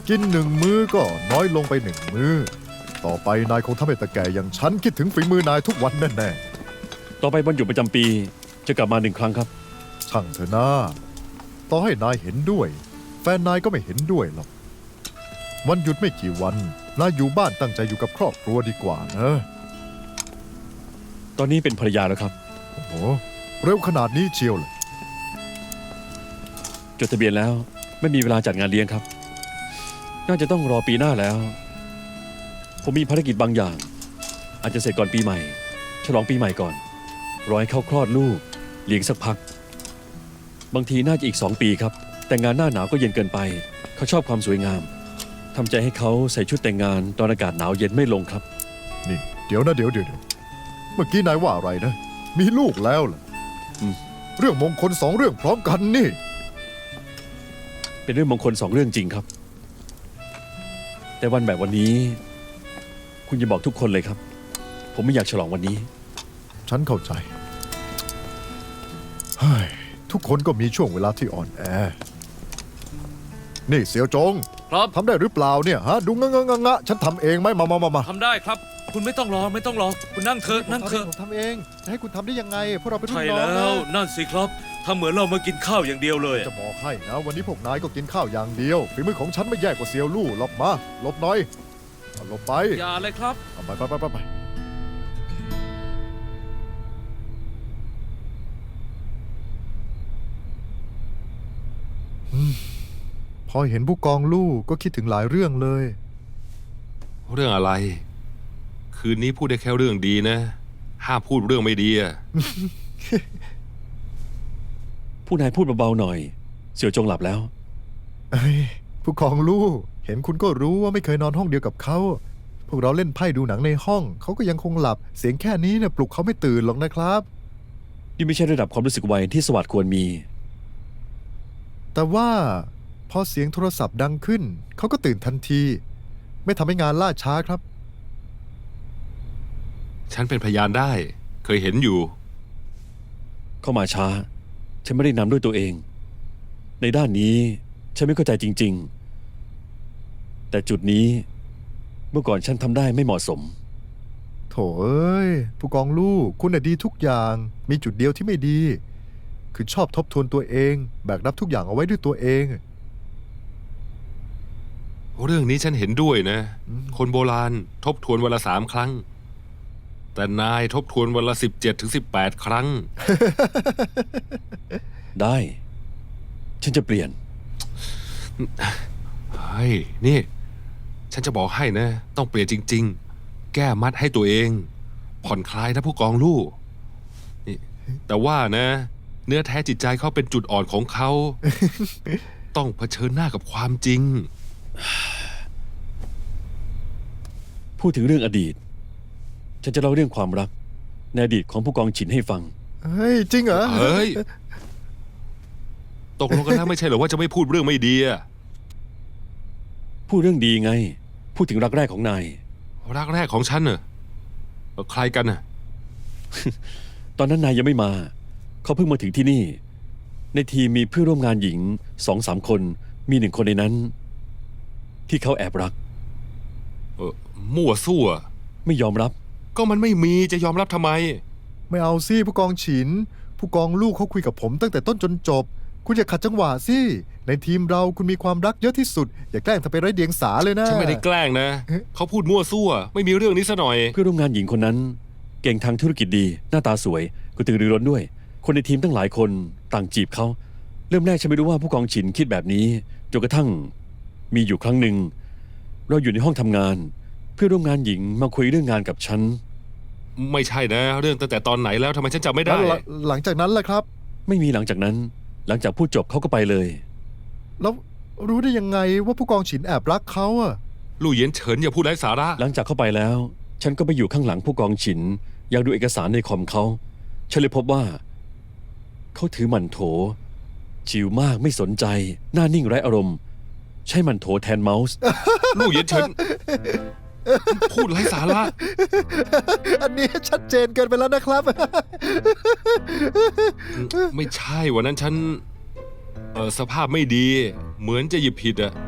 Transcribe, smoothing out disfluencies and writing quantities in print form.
กิน1 มื้อก็น้อยลงไป1 มื้อต่อไปนายคงทำให้ตาแก่อย่างฉันคิดถึงฝีมือนายทุกวันแน่ต่อไปวันหยุดประจำปีจะกลับมา1 ครั้งครับๆช่างเถอะนะต่อให้นายเห็นด้วย แฟนนายก็ไม่เห็นด้วยหรอกวันหยุดไม่กี่วันนายอยู่บ้านตั้งใจอยู่กับครอบครัวดีกว่านะตอนนี้เป็นภรรยาแล้วครับโอ้โหเร็วขนาดนี้เชียวเลยจดทะเบียนแล้วไม่มีเวลาจัดงานเลี้ยงครับ น่าจะต้องรอปีหน้าแล้ว ผมมีภารกิจบางอย่าง อาจจะเสร็จก่อนปีใหม่ ฉลองปีใหม่ก่อนรอให้เขาคลอดลูกเลี้ยงสักพัก บางทีน่าจะอีก2 ปีครับ แต่งงานหน้าหนาวก็เย็นเกินไป เขาชอบความสวยงามทำใจให้เขาใส่ชุดแต่งงานตอนอากาศหนาวเย็นไม่ลงครับนี่เดี๋ยวนะเดี๋ยวเมื่อกี้นายว่าอะไรนะ มีลูกแล้วเหรออืมเรื่องมงคล2 เรื่องพร้อมกันนี่เป็นเรื่องมงคล2 เรื่องจริงครับ แต่วันแบบวันนี้ คุณจะบอกทุกคนเลยครับ ผมไม่อยากฉลองวันนี้ฉันเข้าใจเฮ้ยทุกคนก็มีช่วงเวลาที่อ่อนแอ นี่เสี่ยวจงครับทำได้หรือเปล่าเนี่ยฮะ ดูงะฉันทำเองไหมมาทำได้ครับ คุณไม่ต้องรอไม่ต้องรอ คุณนั่งเถอะนั่งเถอะผมทำเองจะให้คุณทำได้ยังไงพวกเราเป็นรุ่ใช่นน้องแล้นะวนั่นสิครับทำเหมือนเรามากินข้าวอย่างเดียวเลยจะบอกให้นะ วันนี้พวกนายก็กินข้าวอย่างเดียวฝีมือของฉันไม่แย่กว่าเซียวลู่หรอกมาหลบหน่อยหลบไปอย่าเลยครับไปพอเห็นผู้กองลู่ก็คิดถึงหลายเรื่องเลยเรื่องอะไร คืนนี้พูดได้แค่เรื่องดีนะ ห้ามพูดเรื่องไม่ดีอะผู้นายพูดเบาๆหน่อย เสี่ยวจงหลับแล้วเอ้ยผู้กองลู่เห็นคุณก็รู้ว่าไม่เคยนอนห้องเดียวกับเขา พวกเราเล่นไพ่ดูหนังในห้อง เขาก็ยังคงหลับ เสียงแค่นี้เนี่ยปลุกเขาไม่ตื่นหรอกนะครับนี่ไม่ใช่ระดับความรู้สึกไวที่สวัสดิ์ควรมีแต่ว่าพอเสียงโทรศัพท์ดังขึ้น เขาก็ตื่นทันที ไม่ทำให้งานล่าช้าครับฉันเป็นพยานได้ เคยเห็นอยู่เข้ามาช้า ฉันไม่ได้นำด้วยตัวเอง ในด้านนี้ฉันไม่เข้าใจจริงๆ แต่จุดนี้เมื่อก่อนฉันทำได้ไม่เหมาะสมโถเอ้ยผู้กองลู่คุณน่ะดีทุกอย่าง มีจุดเดียวที่ไม่ดี คือชอบทบทวนตัวเอง แบกรับทุกอย่างเอาไว้ด้วยตัวเองเรื่องนี้ฉันเห็นด้วยนะอืมคนโบราณทบทวนวันละ3 ครั้ง แต่นายทบทวนวันละ17 ถึง 18 ครั้งได้ ฉันจะเปลี่ยนเฮ้ย นี่ ฉันจะบอกให้นะ ต้องเปลี่ยนจริง ๆ แก้มัดให้ตัวเอง ผ่อนคลายนะผู้กองลู่นี่แต่ว่านะ เนื้อแท้จิตใจเขาเป็นจุดอ่อนของเขา ต้องเผชิญหน้ากับความจริงพูดถึงเรื่องอดีต ฉันจะเล่าเรื่องความรักในอดีตของผู้กองฉินให้ฟังเฮ้ย จริงเหรอเฮ้ย ตกลงกันแล้วไม่ใช่เหรอว่าจะไม่พูดเรื่องไม่ดีอะพูดเรื่องดีไง พูดถึงรักแรกของนายรักแรกของฉันเน่ะใครกันน่ะตอนนั้นนายยังไม่มา เขาเพิ่งมาถึงที่นี่ ในทีมมีเพื่อนร่วมงานหญิง2-3 คน มี1 คนในนั้น ที่เขาแอบรักมั่วซั่วไม่ยอมรับก็มันไม่มีจะยอมรับทำไมไม่เอาสิผู้กองฉิน ผู้กองลู่เขาคุยกับผมตั้งแต่ต้นจนจบ คุณอย่าขัดจังหวะสิ ในทีมเราคุณมีความรักเยอะที่สุด อย่าแกล้งทำเป็นไร้เดียงสาเลยนะฉันไม่ได้แกล้งนะ เขาพูดมั่วซั่ว ไม่มีเรื่องนี้ซะหน่อยเพื่อนร่วมงานหญิงคนนั้น เก่งทางธุรกิจดี หน้าตาสวยกระตือรือร้นด้วย คนในทีมตั้งหลายคนต่างจีบเขา เริ่มแรกฉันไม่รู้ว่าผู้กองฉินคิดแบบนี้จนกระทั่งมีอยู่ครั้งหนึ่ง เราอยู่ในห้องทำงาน เพื่อนร่วมงานหญิงมาคุยเรื่องงานกับฉันไม่ใช่นะ เรื่องตั้งแต่ตอนไหนแล้วทำไมฉันจำไม่ได้แล้วหลังจากนั้นล่ะครับไม่มีหลังจากนั้น หลังจากพูดจบเขาก็ไปเลยแล้วรู้ได้ยังไงว่าผู้กองฉินแอบรักเขาอะลู่เหยียนเฉินอย่าพูดไร้สาระหลังจากเข้าไปแล้ว ฉันก็ไปอยู่ข้างหลังผู้กองฉินอยากดูเอกสารในคอมเขาฉันเลยพบว่า เขาถือหมั่นโถ ชิวมากไม่สนใจ หน้านิ่งไร้อารมณ์ ใช้หมั่นโถแทนเมาส์ลู่เหยียนเฉิน พูดไร้สาระอันนี้ชัดเจนเกินไปแล้วนะครับไม่ใช่วันนั้นฉันสภาพไม่ดี เหมือนจะหยิบผิดอะ